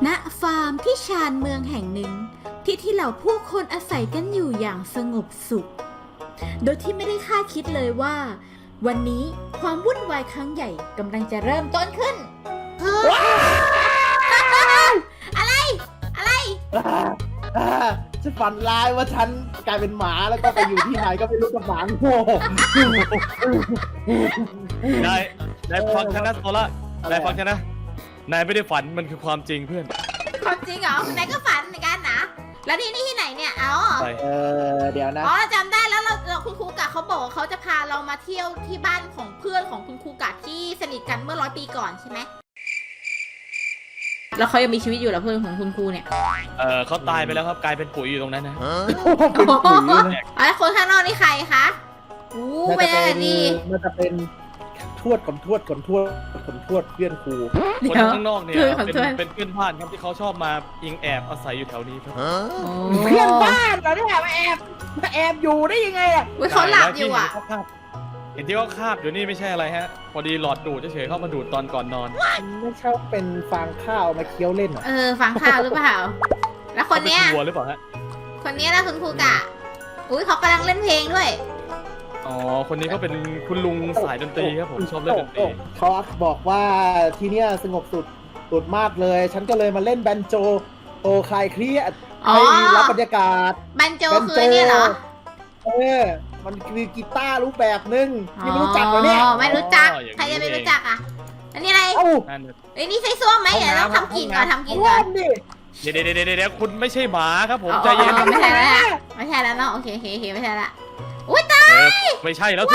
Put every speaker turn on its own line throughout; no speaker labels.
ณฟาร์มที่ชานเมืองแห่งหนึ่งที่เหล่าผู้คนอาศัยกันอยู่อย่างสงบสุขโดยที่ไม่ได้คาดคิดเลยว่าวันนี้ความวุ่นวายครั้งใหญ่กำลังจะเริ่มต้นขึ้นอะไร
ฉันฝันร้ายว่าฉันกลายเป็นหมาแล้วก็ไปอยู่ที่ไหนก็ไม่รู้กับหมาโง่
นายฟังฉันนะโซล่านายฟังฉันนะนายไม่ได้ฝันมันคือความจริงเพื่อน
ความจริงเหรอนายก็ฝันเหมือนกันนะแล้วนี่ที่ไหนเนี่ย
เดี๋ยวนะ
อ๋อจำได้แล้วเราคุณครูกะเขาบอกว่าเขาจะพาเรามาเที่ยวที่บ้านของเพื่อนของคุณครูกะที่สนิทกันเมื่อ100 ปีก่อนใช่ไหมแล้วเขายังมีชีวิตอยู่เหรอเพื่อนของคุณครูเนี่ย
เขาตายไปแล้วครับกลายเป็นปุ๋ยอยู่ตรงนั้นนะ
เป็นปุ๋ยเลย
แล้วคนข้างนอกนี่ใครคะไม่ได้ดี
มันจะเป็นทวดเพื่อนครู
คนข้างนอกเนี่ยเป็นเพื่อนบ้านครับที่เขาชอบมาอิงแอบอาศัยอยู่แถวนี้ครับ
เพื่อนบ้านเหรอเนี่ยมาแอบอยู่ได้ยังไงอ่ะ
เขาหลับอยู่อ่ะ
เห็นที่เขาคาบอยู่นี่ไม่ใช่อะไรฮะพอดีหลอดดูดเฉยๆเข้ามาดูดตอนก่อนนอน
ไม่ชอบเป็นฟางข้าวมาเคี้ยวเล่นเหรอ
ฟังข่าวหรือเปล่าแล้วคนเนี้ย
วัวหรือเปล่าฮะ
คนนี้นะคุณครูกะเขากำลังเล่นเพลงด้วย
อ๋อคนนี้ก็เป็นคุณลุงสายดนตรีครับผมชอบเล่นดนตรี
เขาบอกว่าที่เนี้ยสงบสุดมากเลย ฉันก็เลยมาเล่นแบนโจโตคลายเครียดให้รับบรรยากาศ
แบนโจคือเนี่ยเหรอ
มันคือกีตาร์รูปแบบนึงที่ไม่รู้จักเหรอเนี่ย
ไม่รู้จักใครจะไม่รู้จักอ่ะอันนี้อะไรนี่ใส่ส้วมไหมเดี๋ยวเราทำกินก่อนเ
ดี๋ยวคุณไม่ใช่หมาครับผมใจเย็น
ไม่ใช่แล้วเนาะโอเคไม่ใช่ละอุ้ยตาย
ไม่ใช่แล้วสิ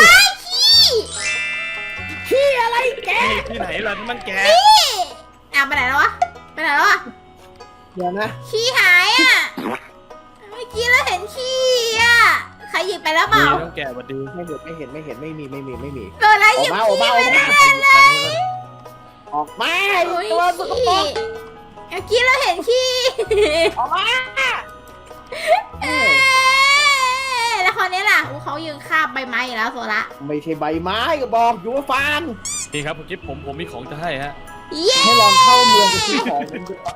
ขี้อะไรแก
ที่ไหนล่ะที่มันแก
ไปไหนแล้ววะ
เดี๋ยวนะ
ขี้หายอ่ะเมื่อกี้เราเห็นขี้อ่ะใครหยิบไปแล้วเปล่า
ต้องแกะวัดดี
ไม่เห็นไม่มี
ตัวอะไรหยิบขี้ไปได้เลย
ออกมา
ตัวสกปรกเมื่อกี้เราเห็นขี้
ออกมา
แล้วคนนี้ล่ะเขายืนคาบใบไม้แล้วโซละ
ไม่ใช่ใบไม้ก็บอกอยู่ว่าฟาง
นี่ครับคุณกิ๊บผมมีของจะให้ฮะ
ให้ลองเข้าเมืองไปซื้อของ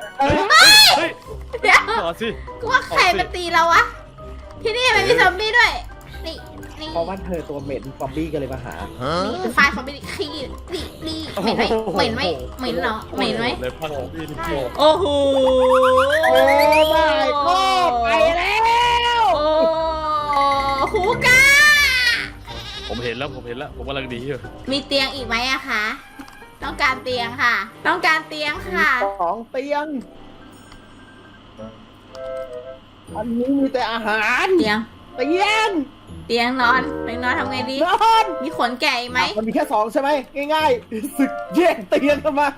เดี๋ยว
ต่อสิ
กูว่าใครมาตีเราวะที่นี่มันมีซอมบี้ด้วยนี่
เพราะว่าเธอตัวเหม็นซอมบี้ก็เลยมาหา
ไฟซอมบี้ขี้นี่เหม็นไหมเหม็นเหรอเหม็นไหมโอ้โห
ก็ไปแล้ว
ฮูกา
ผมเห็นแล้วผมกำลังดีอยู่
มีเตียงอีกไหมอะคะต้องการเตียงค่ะ2 เตียง
อันนี้มีแต่อาหาร
เตียงนอนทำไงดี
นอน
มีขนแก่ไหม
มันมีแค่2ใช่ไหมง่ายๆศึกแย่งเตียงกันมา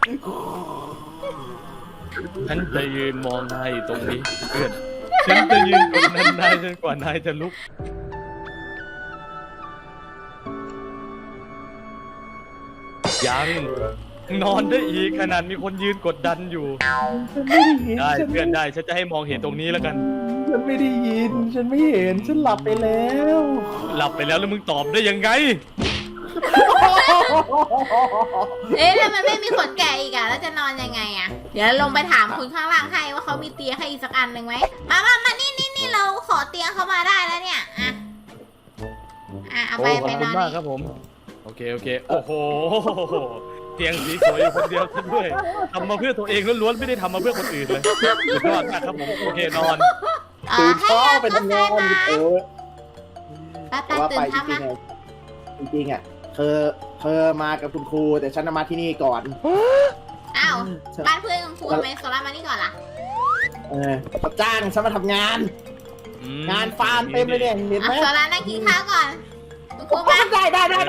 ฉันจะยืนมองนายอยู่ตรงนี้เพื่อนฉันจะยืนตรงนั้นนายจนกว่านายจะลุกยังนอนได้อีกขนาดมีคนยืนกดดันอยู่ได้เพื่อนได้ฉันจะให้มองเห็นตรงนี้แล้วกัน
ฉันไม่ได้ยินฉันไม่เห็นฉันหลับไปแล้ว
แล้วมึงตอบได้ยังไง
แล้วมันไม่มีขนแก่อีกอะแล้วจะนอนยังไงอะเดี๋ยวลงไปถามคุณข้างล่างให้ว่าเขามีเตียงให้อีกสักอันหนึ่งไหมมานี่เราขอเตียงเขามาได้แล้วเนี่ยเอาไปนอน
ขอบคุณมากครับผมโอเคโอ้โหเตียงสีสวยอยู่คนเดียวด้วยทำมาเพื่อตัวเองล้วนๆไม่ได้ทำมาเพื่อคนอื่นเลยสุดยอดมากครับผมโอเคนอน
ตื่นเช้าไปทำงาน
ตื่นเช้ามา
จริงๆอ่ะเธอมากับคุณครูแต่ฉันมาที่นี่ก่อน
อ้าวบ้านเพื่อนคุณครูทำไมโซล่ามานี่ก่อนล่ะ
เขาจ้างฉันมาทำงานฟาร์มเต็มเลยเนี่ยเห็นไหม
โซล่านั่งกินข้าวก่อนคุณครูมา
ได้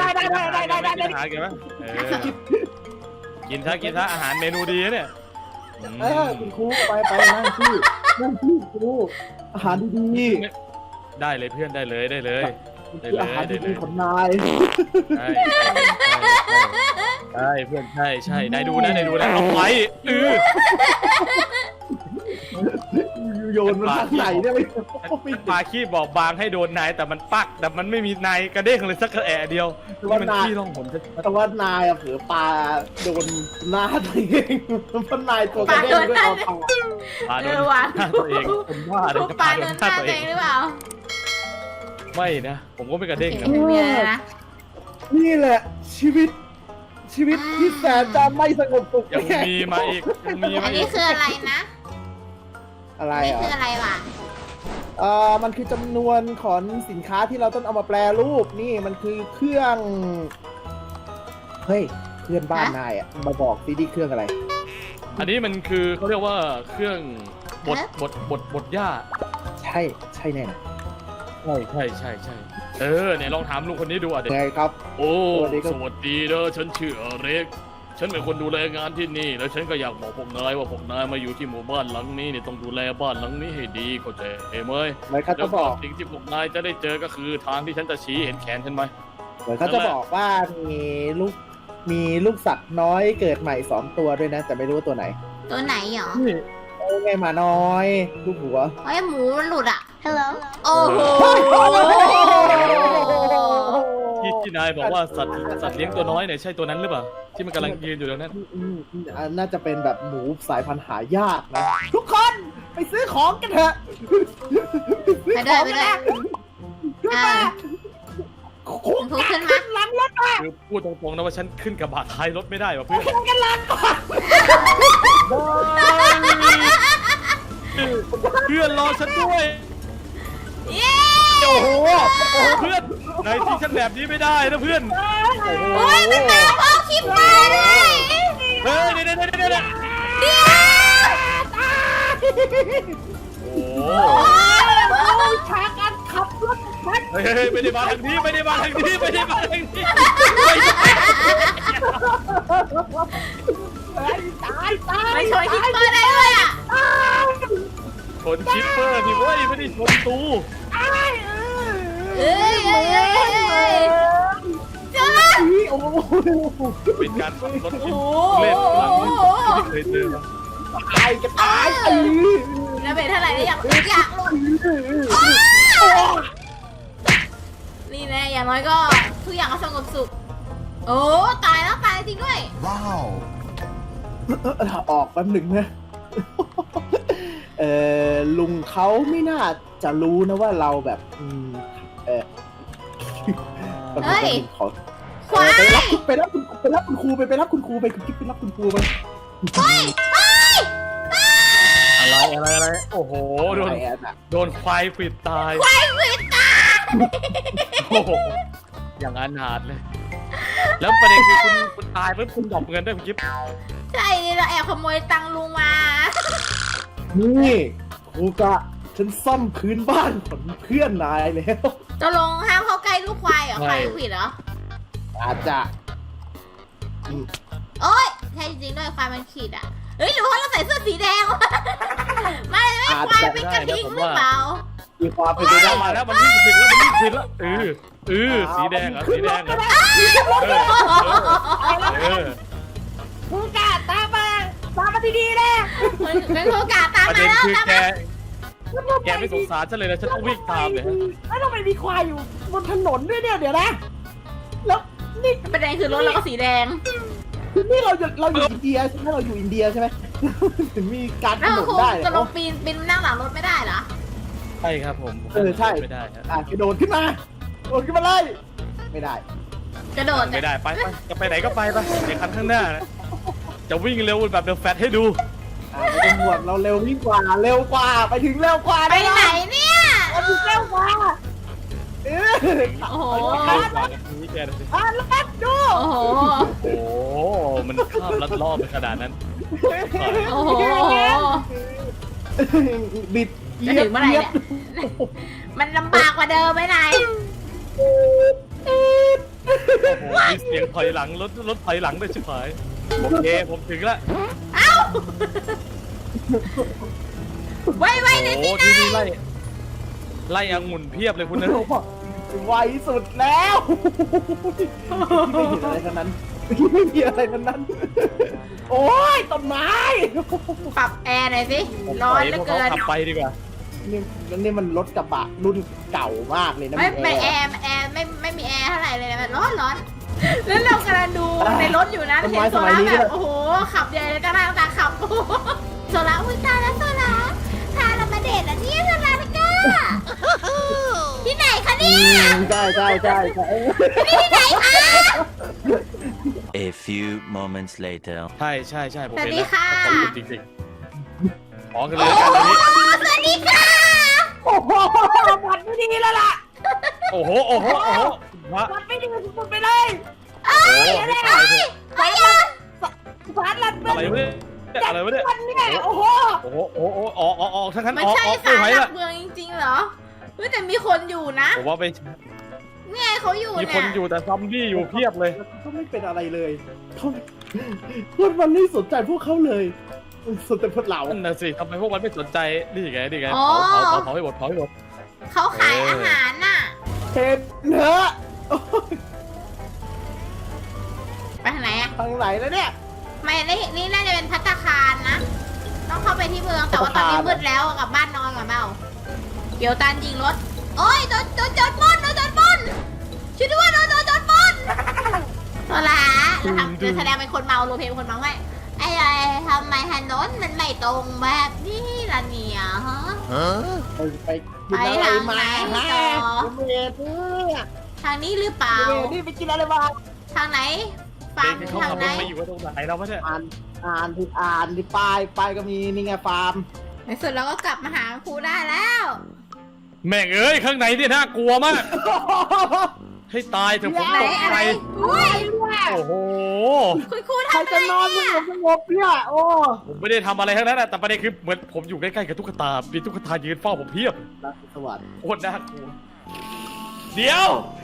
กินซะอาหารเมนูดีนะเนี่ย
คุณครูไปนั่งที่ครูอาหารดี
ๆได้เลยเพื่อนได้เลย
อาหารดีของนาย
ใช่เพื่อนใช่นายดูนะเอาไว้
โยนมันทางไหนเนี่ยไม่
ปลาขี้บอกบางให้โดนนายแต่มันปักแต่มันไม่มีนายกระเด้งเลยสักกระแอะเดียวนี่มันขี้ร่องหน
แต่ว่านายอะเผือปลาโดนหน้าตัวเองเพราะนายตัวกระเด้งด้วยเอา
ปลาโดนหน้าตัวเองผมว่า
พวกปลาโดนหน้าตัวเองหรือเปล่า
ไม่นะผมก็ไม่กระเด้งนะ
ไม่มีอะไรนะ
นี่แหละชีวิตที่แสนจะไม่สงบสุข
ยังมีมาอีกยังมี
อั
มาน อี
นี้
ก
คืออะไรนะ
อะไร
นี่
อ่ะ
คืออะไรวะ
มันคือจำนวนของสินค้าที่เราต้องเอามาแปรรูปนี่มันคือเครื่องเฮ้ยเพื่อนบ้านนายอ่ะมาบอกซิดิเครื่องอะไร
อันนี้มันคือเขาเรียกว่าเครื่องบดหญ้า
ใช่แน่นะ
ใช่เนี่ยลองถามลุงคนนี้ดูอ่ะเด็ก
ไงครับ
โอ้
สวัสดีครับ
สวัสดีเด้อฉันชื่ออเล็กฉันเป็นคนดูแลงานที่นี่ แล้วฉันก็อยากบอกพวกนายว่าพวกนายมาอยู่ที่หมู่บ้านหลังนี้เนี่ยต้องดูแลบ้านหลังนี้ให้ดีเข้าใจไหม
เหมือนเขา
แล้
จะ
ว
บ
ก็
อก
สิ่งที่พวกนายจะได้เจอก็คือทางที่ฉันจะชี้เห็นแขนฉันไหม
เหมือนเขาจะบอกว่ามีลูกสัตว์น้อยเกิดใหม่2ตัวด้วยนะ แต่ไม่รู้ว่าตัวไหน
ตัวไหนหรอ
โอ้ไงหมาน้อยลูกหัว
เฮ้ยหมูมันหลุดอ่ะ Hello โอ้โห
ที่นายบอกว่าสัตว์เลี้ยงตัวน้อยเนี่ยใช่ตัวนั้นหรือเปล่าที่มันกำลังยืนอยู่ตรงนั้น
น่าจะเป็นแบบหมูสายพันธุ์หายากนะ ทุกคนไปซื้อของกันเถอะ
ไปด้วยคุณครูขึ้นมา
หลังรถมา
คือพูดตรงๆนะว่าฉันขึ้นกระบะท้ายรถไม่ได้ว่ะเพื่อน
กันหลังก่อน
เพื่อนรอฉันด้วย
เย้
โอ้โห
เพื่อนนายที่ฉันแบบนี้ไม่ได้นะเพื่อนโอ้โห
โอ้ยมันมาพ่อคลิปมาเลย
เฮ้ยเดี๋ยว
เดี๋ยว
โอ้
โอ้ยฉากการขับรถ
เฮ้ยไม่ได้มาทางนี้ไม่ได้มาทางนี้ไม่ได้มาทางนี้
ตาย
ไม่ชนคลิปเปอร์ได้ด้วยอ่ะ
ชนชิปเปอร์นี่เว้ยไม่ได้ชนตู
เอ้ยเจ้า
โอ้โห
เป็นการขับรถที่
โอ้
เล่นหลังที่สุดที่เคยเจอมา
ตายกันตาย
แล้วเป็นเท่าไหร่ได้อยากลงนี่แน่อย่างน้อยก็ทุกอย่างก็สงบสุขโอ้ตายแล้วตายจริงด้วย
ออกแป๊บหนึ่งนะลุงเขาไม่น่าจะรู้นะว่าเราแบบ
เฮ้ย
ขอ
ควาย
ไปรับคุณครูไปรับคุณครูไปกิ๊บไปรับคุณครูไป
อะไรโอ้โหโดนควายปิดตาย
ควายวิตา
โอ้โหอย่างอนาถเลย แล้วประเด็นคือคุณตายปุ๊บคุณดรอปเงินด้วยคุณกิ๊บ
ใช่เราแอบขโมยตังค์ลุงมา
นี่ครูกะฉันซ่อมพื้นบ้านของเพื่อนนายแล้ว
ตกลงห้ามเข้าใกล้ลูกควายเหรอควายผิดเหรอ
อาจจะ
โอ๊ยใช่จริงด้วยควายมันขีดอ่ะเฮ้ยหรือว่าเราใส่เสื้อสีแดงวะไม่ควายเป็นกระทิงหรือเปล่า
มีความเป็นไปได้
มาแล้วมันวิ่งผิดแล้วสีแดงเหรอสีแดงเหรอ
ครูกะตามมาดีๆเลย
เป็นโอกาสตาม
ประ
มา
เด็น
แล้ว
คือ
ตาม
แกไม่สงสารฉันเลยนะฉันต้องวิ่งตามเลยฮะ
แล้วทำไมมีควายอยู่บนถนนด้วยเนี่ยเดี๋ยวนะแล้วนี่
ประเด็นคือรถเราก็สีแดง
นี่เราอยู่อินเดียใช่ไหมเราอยู่อินเดียใช่ไหมถึงมีการถ
แล้ว
นน
ครู
ได้
จะลงปีนนั่งหลังรถไม่ได้เหรอ
ใช่ครับผม
ใช่
ไม่ได้ฮะ
กระโดดขึ้นมาเลยไม่ได้
กระโดด
ไม่ได้ไปจะไปไหนก็ไปในคันข้างหน้านะจะวิ่งเร็วแบบเดอะแฟตให้ดู
ไม่ต้องห่วงเราเร็วยิ่งกว่าไปถึงเร็วกว่า
ไปไหนเนี่ย
ไปถึงเร็วกว่า
โอ้โห
ลัดดู
โอ้โห
โอ้มันข้ามลัดรอบไปขนาดนั้น
โอ้โห
บิด
จะถึงเมื่อไหร่เนี่ยมันลำบากกว่าเดิมไหมนาย
โอ้โหมีเสียงถอยหลังรถถอยหลังด้วยชิบหายโอเคผมถึงแล้ว
เอ้าไวๆหน่อยสิ
ที่
นาย
นี่ไล่องุ่นเพียบเลยคุณนะ
ไวสุดแล้วไม่มีอะไรทั้งนั้นไม่มีอะไรทั้งนั้นโอ้ยต้นไม้
ปรับแอร์หน่อยสิร้อนเหลือเกิน
ขับไปดีกว่า
นี่มันรถกระบะรุ่นเก่ามากเลยนะ
ไม่แอร์ไม่มีแอร์เท่าไหร่เลยนะร้อนแล้วเรากำลังดูในรถอยู่นะเห็นโซล่าแบบโอ้โหขับใหญ่เลยตาหน้าตาขับโซล่าอุ้ยตายแล้วโซล่าพาเรามาเดทอ่ะเนี่ยโซล่าแล้วก็ที่ไหนคะเนี่ย
ใช่
ที่ไหนคะ
A few moments later.
ใช่ผม
สวัส
เห็น
ดี
แล้ว
ค่ะ
ขอบคุณจริงๆขอกันเลยกันเลย
สวัสดีค่ะ
โอ้โหมันไม่ดีแล้วล่ะ
โอ้โหวะ
มันไม่ดีสุดไปเลย
โอ้โหให้ตายเถอะ
สารลัด
อะไรวะเนี่ยอะไรวะเนี่ย
มันเนี่ยโอ้โห
โอ้โหออกทั้งนั้น
มัน
ออก
ใช่
ไม่
สาร
ไหว
หลั
ละ
กเมืองจริงๆเหรอเฮ้ยแต่มีคนอยู่นะ
ผมว่าไป
เนี่ยเขาอยู่
มี
เนี่
คนอยู่แต่ซอมบี้อยู่เพียบเลย
ก็ไม่เป็นอะไรเลยคนมันไม่สนใจพวกเขาเลยสนใจพวกเรา
นั่นน่ะสิทำไมพวกมันไม่สนใจนี่ไงเผาให้หมด
เขาขายอาหารน่ะ
เห็นเนอะ
ไปทางไหนอะ
ทางไหนแล้วเนี่ย
ไม่นี่น่าจะเป็นภัตตาคารนะ ต้องเข้าไปที่เมืองแต่ว่าตอนนี้มืดแล้วกลับบ้านนอนก่อนเปล่าเกี่ยวตันยิงรถโอ้ยโดนโจรปล้นช่วยด้วยโดนโจรปล้นโซล่าแล้วทำจะแสดงเป็นคนเมาโรลเพลย์เป็นคนเมาไว้ไอ้ทำไมถนนมันไม่ตรงแบบนี้ล่ะเนี่ยฮะ
ไปกินอะไรมา
ไปทางไหน
ฮะ
ต่อ
เมย์เนี่ย
ทางนี้หรือเปล่า
นี่ไปกินอะไรมา
ทางไหนฟา
เด็
ร์ม
กเขา
ทาง
ขับ
ไหน
รถไปอยู่กันตรงไหนเราไม่ใช่
อ่านที่ป้ายก็มีนี่ไงฟาร์ม
ในสุดเราก็กลับมาหาครูได้แล้ว
แม่งเอ้ยข้างในเนี่ยน่ากลัวมาก ให้ตายเถอะผม
ไหน
ตก
อะ
ใจ
ไรอุ้ย
โอ้โห
คุณครู
ใคร
ทำอะไร
จะนอน
เนี่ย
สงบเนี่ยโอ้
ผมไม่ได้ทำอะไรทั้งนั้นอะแต่ประเด็นคือเหมือนผมอยู่ใกล้ๆกับตุ๊กตา มีตุ๊กตายืนเฝ้าผมเพียบ
รักสวัสดิ์
โคตรน่ากลัว เดี๋ยว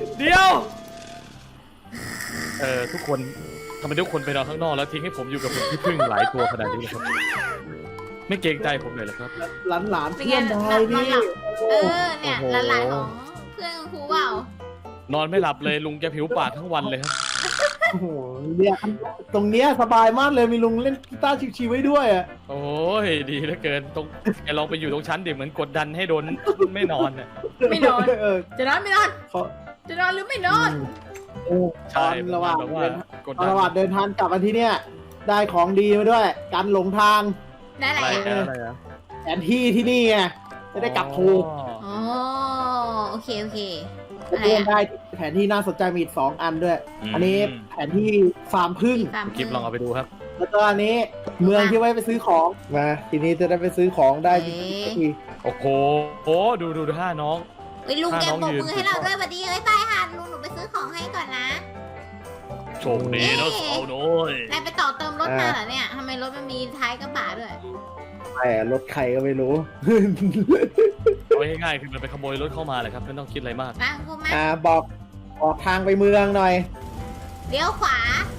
ทุกคนทำไมทุกคนไปนอนข้างนอกแล้วทิ้งให้ผมอยู่กับผมที่พึ่งหลายตัวขนาดนี้เลยครับ ไม่เกรงใจผมเลยเหรอครับ
หลาน
เป็น
เพื่
ไง
อนนายนี่
เนี่ย
โอ้โห
หลานๆของเพื่อนครูเปล่าน
อนไม่หลับเลยลุงแกผิวปากทั้งวันเลยครับ
โอ้โหเนี่ยตรงเนี้ยสบายมากเลยมีลุงเล่นกีตาร์ชิวๆไว้ด้วยอ่ะ
โอ้ยดีเหลือเกินแกลองไปอยู่ตรงชั้นดิเหมือนกดดันให้โดนไม่นอนน่ะ
ไม่นอน
เออ
จะนอนไม่นอน
เขา
จะนอนหรือไม่นอน
ใช่
ตอนระหว่าง
แบบว่า
เดิน
กด
ตอน
ดัน
ระหว่างเดินทางกลับมาที่เนี่ยได้ของดีมาด้วยการหลงทาง
ได้อะไร
อะไร
อ่ะ
อะไรอะ
แผนที่ที่นี่ไงจะได้กลับถูก
อ๋อโอเคอะไร
เพื่อน
อ่ะ
ได้แผนที่น่าสนใจมีอีก2 อันด้วย อันนี้แผนที่ฟาร์มพึ่ง
ตาม
คลิปลองเอาไปดูครับ
แล้วก็อันนี้เมืองที่ไว้ไปซื้อของมาทีนี้จะได้ไปซื้อของได้ที
โอ้โหดูท่าน้อง
เฮ้ยลุงแก
ถ้าน้
บ
อง
ก
ยืน
มือให้เราด้วยสวัสดีเอ้ยไปค่ะลุงหนูไปซื้อของให้ก่อนนะ
โชคดีนะสาวน้อย
นายไปต่อเติมรถมาเหรอเนี่ยทำไมรถมันมีท้ายกระบะด้วย
แต่รถใครก็ไม่รู้
เอาง่ายๆคือมันไปขโมยรถเข้ามาเลยครับไม่ต้องคิดอะไรมาก
มาครูมา
บอกทางไปเมืองหน่อย
เลี้ยวขวา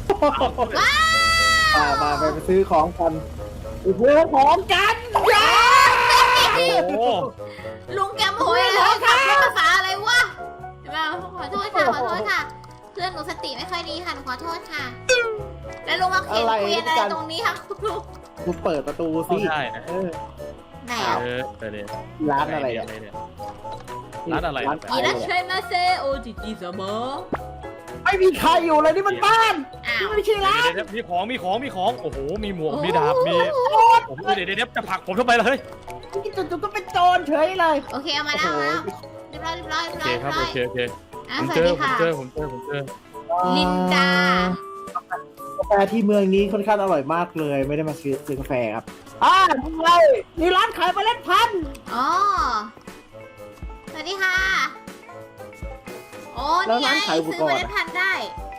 ว้าว
มาไปซื้อของกันไปซื้อของกันย้า
โอ้โห
ลุงแกโมโหเลยขับรถภาษาอะไรวะเดี๋ยวมาขอโทษค่ะ เพื่อนหนูสติไม่ค่อยดีค่ะหนูขอโทษค่ะ แล้วลุงมาเขียนเกวียนอะไรตรงนี้ค่ะคุณลุง
คุณเปิดประตู
เข้า
สิ
ได้นะ
เออ
ไหนอ่ะ
เนี่ย
ร้านอะไรอ่ะ
เนี่ย ร้านอะไร
ร้าน
อี
ขาย
รั
อะ
ช
ไร
เชมาเซโอจิจิซาบะ
ไม่มีใครอยู่เลยนี่มันบ้าน
อ้าว
นี่ไม่ใช่ร้าน
เดี๋ยวมีของโอ้โหมีหมวกมีดาบมีผมเดี๋ยวจะผลักผมทำไมล่ะเฮ้ย
จู่ๆก็เป็นโจรเฉยเลย
โอเคเอามาแล้วเรียบร้อย
โอเคครับโอเค
อ่ะ
ผม
ส
เจ
วัส
อ
ดี
ผม
ค่ะ
เจอ
ลินดา
กาแฟที่เมืองนี้ค่อนข้างอร่อยมากเลย ไม่ได้มาซื้อกาแฟครับนี่ไงมีร้านขายเมล็ดพันธุ์
อ๋อ สวัสดีค่ะ โอ้นี่ไงซื้อเมล็ดพันธุ์ได้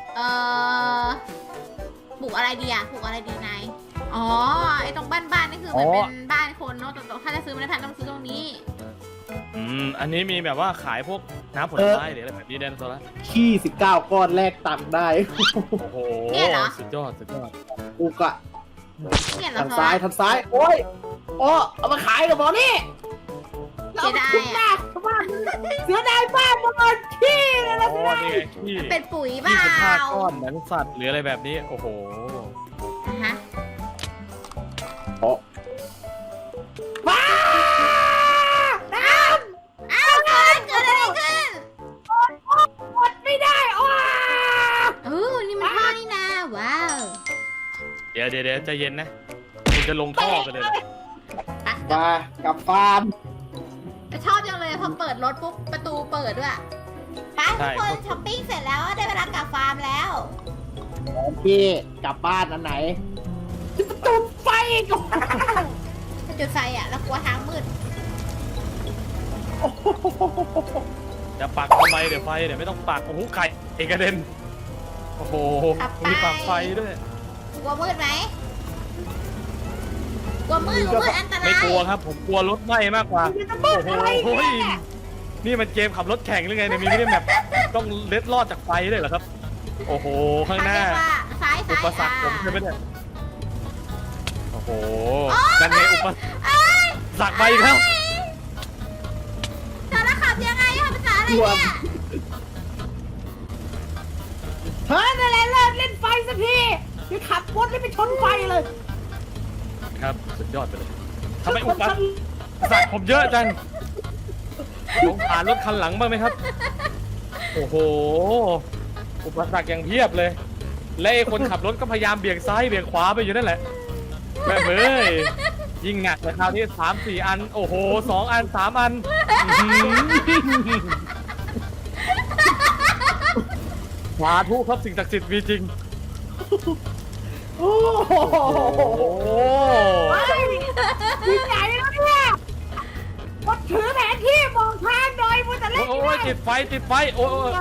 ปลูกอะไรดีอ่ะ ปลูกอะไรดีนาย อ๋อ ไอ้ตรงบ้านนี่คือเหมือนเป็นบ้านคนเนาะแต่ถ้าจะซื้อเมล็ดพันธุ์ต้องซื้อตรงนี้
อันนี้มีแบบว่าขายพวกน้ำผลไม้หรืออะไรแบบนี้แดนโซล่า
ขี้19 ก้อนแลกตังค์ได้
โอ้โหสุดยอด
อุกอะ
เนี่ยเหรอ
ทาง
คะ
ซ้ายโอ้ยโอ้เอามาขายกับหมอนี่
เสียดาย
หน้าบ้านเสียดายบ้านมันขี้เลยนะ
โอ้นี่ไงขี้
เป็นปุ๋ยเปล่า
15 ก้อนเหมือนสัตว์หรืออะไรแบบนี้โอ้โห
อ่ะฮะ
ว้าได้
ยวใจเย็นนะคุณจะลงท่อไปเลยนะ
มากับฟาร์ม
แต่ชอบจังเลยพอเปิดรถปุ๊บประตูเปิดด้วยไปทุกคนช้อปปิ้งเสร็จแล้วได้เวลากลับฟาร์มแล้ว
พี่กลับบ้านอันไหนจะจุดไฟก่อน
จะจุดไฟอ่ะแล้วกลัวทางมืด
จะปักทำไมเดี๋ยวไฟเดี๋ยวไม่ต้องปักโอ้โหไก่เอกระเด็นโอ้โหมีปักไฟด้วย
กลัวมืดไหมกลัวมืดอันตราย
ไม่กลัวครับผมกลัวรถไหม้มากกว่าโอ้โหนี่มันเกมขับรถแข่งหรือไงเนี่ยมีไม่ได้แบบต้องเล็ดลอดจากไฟเลยเหรอครับโอ้โหข้างหน้า
เขเรียกว่าซ้าย
อุปสรรคผมใช่ไหมเนี่ยโอ้โหนั่นไงอุปสรรคไปอีกแล้ว
จะระขับยังไงอะภาษาอะไรเนี่ย
เฮ้ยนั่นแหละเลิกเล่นไฟสักทีจะขับรถไปชนไฟเลย
ครับสุดยอดไปเลยทำไมอุปสรรคผมเยอะจังลงผ่านรถคันหลังบ้างไหมครับโอ้โหอุปสรรคอย่างเพียบเลยและไอ้คนขับรถก็พยายามเบี่ยงซ้ายเบี่ยงขวาไปอยู่นั่นแหละแม่เบ้ยยิ่งหนักเลยคราวนี้3-4 อันโอ้โห2 อัน 3 อันสาธุครับสิ่งศักดิ์สิทธิ์มีจริง
โอ้โห
โอ้
ที่ไหนแล้วเนี่ยมันถือแผนที่มองทางหน่อยมันจะเล่น
โอ้ยติดไฟโอ้ย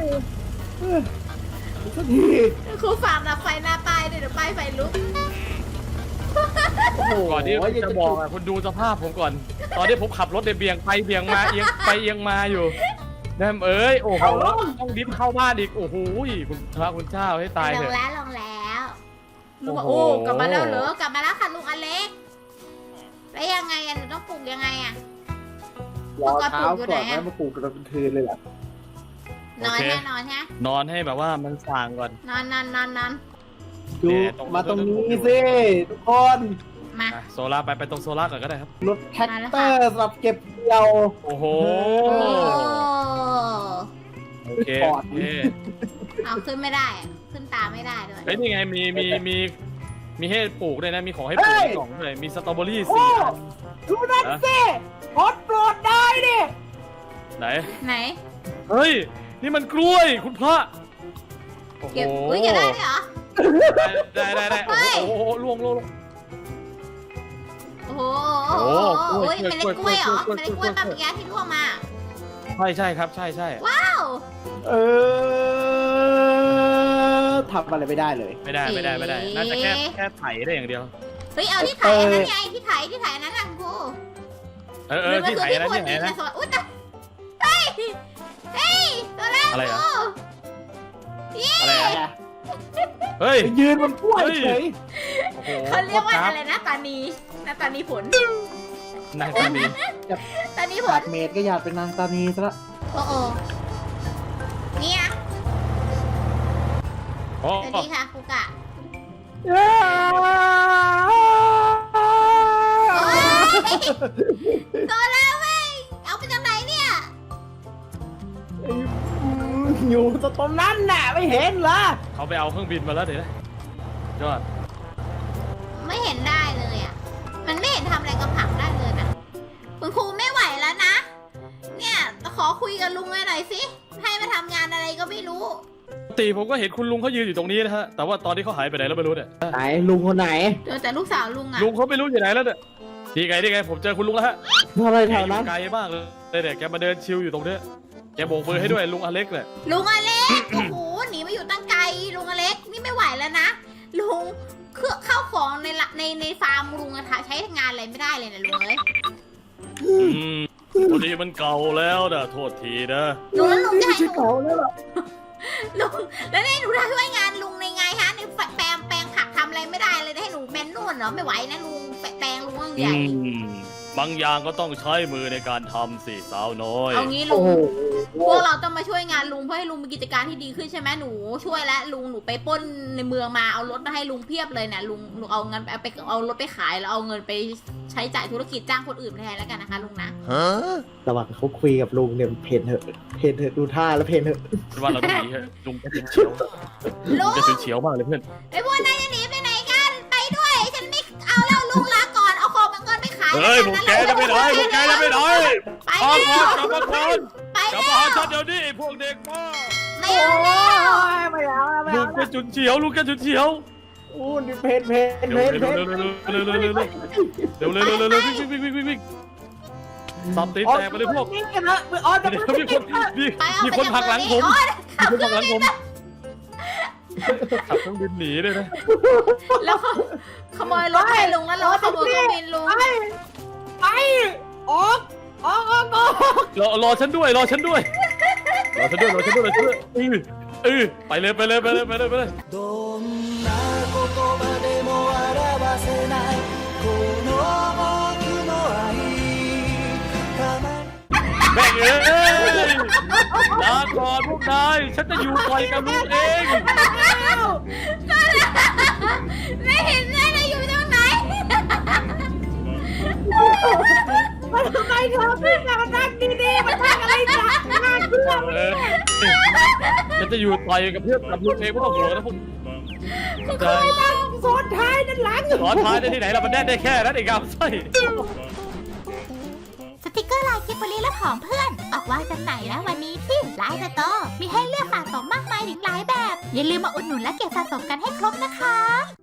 สักที
ครูฟาร์มดับไฟหน้าป้ายด้วยเดี๋ยวป้ายไฟลุก
โอ้โห
ก่อนที่ผมจะบอกอ่ะคุณดูสภาพผมก่อน ตอนที่ผมขับรถเบี่ยงไปเบี่ยงมาเอียงไปเอียงมาอยู่แนมเอ้ยโอ้โหต้องดิ้นเข้าบ้านอีกโอ้โหคุณพระคุณเจ้าให้ตาย
ล
เถ
ง
อะ
แล้วลุงบอก
โอ้
โอ้
โห
กลับมาแล้วเหรอกลับมาแล้วค่ะลุงอเล็กแล้วยังไงอะหนูต้องปลูกยังไงอะ
รอเช้าก่อนแม่มาปลูกกันเป็นคืนเลยล่ะ
นอนแน่นอนฮะ
นอนให้แบบว่ามันส่างก่อน
นอน
ดู
เนี่ยตรง
มาตรงนี้สิทุกคน
มา
อ่ะโซล่าไปตรงโซล่าก่อนก็ได้ครับ
รถแท็กเตอร์สำหรับเก็บเกี่ยว
โอ้โห
โอ้
โอเค
ปอด
โอเค
เอาขึ้นไม่ได้อะขึ้นตามไม่ได้ด้วย
เฮ้ยนี่ไงมีให้ปลูกด้วยนะมีของให้ปลูกในกล่องด้วยมีสตรอเบอรี่4 อัน
ดูนั่นสิพอดโปรดได้ดิ
ไหน
ไหน
เฮ้ยนี่มันกล้วยคุณพระโอ้โห
เก็บอุ้ยเก็บได้ด้วยเหรอ
ได้
เฮ้ย
โอ้โหล่วง
โอ้โห
โอ้
โอ้
โห
โหเมล็ดกล้วยเหรอ
กล้วย
เมล็ดกล้วยปลาปิยะที่ร่วงมา
ใช่ครับใช่
ว้าว
ทำอะไรไม่ได้เลย
ไม่ได้น่าจะแค่ไถได้อย่างเดียว
เฮ้ยเอาที่ถ่ายอันนั้นไงที่ถ่ายอันนั้นนะครู
ที่ไถนะที่ไหนนะ
อุ้ยแต่เฮ้ยตัวแรก
อะไรอ่ะ
ครู
อะไรอ่ะเฮ้ย
ยืนบนกล้วยเฉย
โอ้โห
เขาเรียกว่าอะไรนะตานีนะตานีผล
นางตานี
ตานีผ
ขา
ล
ดเมดก็อยากเป็นนางตานีซะละ
โอ้โหเนี่ย
โอ้
สวัสดีค่ะครูกะตัวแล้วเว้ยเอาไปจากไหนเนี่ย
อยู่ตรงนั้นน่ะไม่เห็นเหรอ
เขาไปเอาเครื่องบินมาแล้วเดี๋ยวนะยอด
ไม่เห็นได้เลยอ่ะมันไม่เห็นทำอะไรกับผักได้เลยนะคุณครูไม่ไหวแล้วนะเนี่ยขอคุยกับลุงหน่อยสิให้มาทำงานอะไรก็ไม่รู้
ปกติผมก็เห็นคุณลุงเขายืนอยู่ตรงนี้นะฮะแต่ว่าตอนที่เขาหายไปไหนแล้วไม่รู้เนี่ย
ไหนลุงคนไหน
เจอแต่ลูกสาวลุงอ่ะ
ลุงเขาไม่รู้อยู่ไหนแล้วเนี่ยดีไงผมเจอคุณลุงแล้วฮะ
ทำอะไร
แก
แถ
อ
ว
ยู่
นั้น
ไกลมากเลยเนี่ยแกมาเดินชิลอยู่ตรงเนี้ยแกโบกมือให้ด้วยลุงอเล็กเนี่ย
ลุงอเล็ก โอ้โหหนีมาอยู่ตั้งไกลลุงอเล็กนี่ไม่ไหวแล้วนะลุงเข้าของในฟาร์มลุงอะใช้งานอะไรไม่ได้เลยนะลุงเอ้ย
พอดีมันเก่าแล้วนะโทษทีนะ
ลุงแล้วลุงจะให้หนู
เก่าแล้วหรอ
ลุงแล้วนี่หนูจะช่วยงานลุงในไงฮะในแปลงผักทำอะไรไม่ได้เลยให้หนูแมนนวลเหรอไม่ไหวนะลุงแปลงลุงต้องใหญ่
บางอย่างก็ต้องใช้มือในการทำสิสาวน้อย
เอางี้ลุงพวกเราต้องมาช่วยงานลุงเพื่อให้ลุงมีกิจการที่ดีขึ้นใช่ไหมหนูช่วยแล้วลุงหนูไปปล้นในเมืองมาเอารถมาให้ลุงเพียบเลยเนี่ยลุงเอาเงินเอารถไปขายแล้วเอาเงินไปใช้จ่ายธุรกิจจ้างคนอื่นแทนแล้วกันนะคะลุงนะ
ระหว่างเขาคุยกับลุงเนี่ยเพนเถอะดูท่าแล้วเพนเถอะ
ว่าเราต้องหนีเถอะลุงจะเฉียว
ลุง
จะเฉียวมากเลยเพื่อน
ไอ้พวกนายจะหนีไปไหนกันไปด้แล้วลุงลาก่อนเอาของมันก่อนไปขาย
เฮ้ยพวกแกจะไปไหนพวกแกจะไปไหน
ไป
ออก
แล้ว
กลับมาก่อน
ไป
กลับ
แล้
มาว หาฉันเดี๋ยวนี้ไอ้พวกเด็กบ้า
ไม่เอาแล้ว
ไม่เอาไม่
ลู
เอา
กกระจุนเฉียวลูกกระจุนเฉียว
อู้นี่เพน
เร็วเร็วเร็วเร็วเร็วเร็วเร็วเร็วเร็วเร็วเร็วเร็ววิ่งสับตีแตกไปเลยพวก
นี่กันนะอ๋อจะ
เดี๋ยว
ไม่
มีคนหักหลังผม
ขับ
มี
เค
คน
รื่อง
หักหลังผมขับ
บิน
เครื่องบินหนีเลยนะ
แล้วขโมยรถให้ลุงแล้วเราขโมยเครื่องบินลุง
ไปออก
รอฉันด้วยรอฉันด้วยไปเลย
どんな言葉でも表せないこの僕の愛たまに
แม่งเอ้ยลาก่อนพวกนายฉันจะอยู่ปล่อยกับลูกเอง
ไม่เห็นเลยนะอยู่ตรงไหน
มันทำไมเธอพี่มานั่งดีๆมันทำอะไรจ้ะงานเพื่อน
ฉันจะอยู่ต่อยกับเพื่อนกับลูกเองไม่ต้องห่วงนะพวก
เคยนั่งโซนท้ายนั่นหลัง
สอนท้ายได้ที่ไหนเรามันแน่ได้แค่นั้นเองครับใช่
สติกเกอร์ลายกิบบลีและของเพื่อน ออกวางจำหน่ายแล้ววันนี้ที่ไลน์สโตร์มีให้เลือกสะสมมากมายถึงหลายแบบ อย่าลืมมาอุดหนุนและเก็บสะสมกันให้ครบนะคะ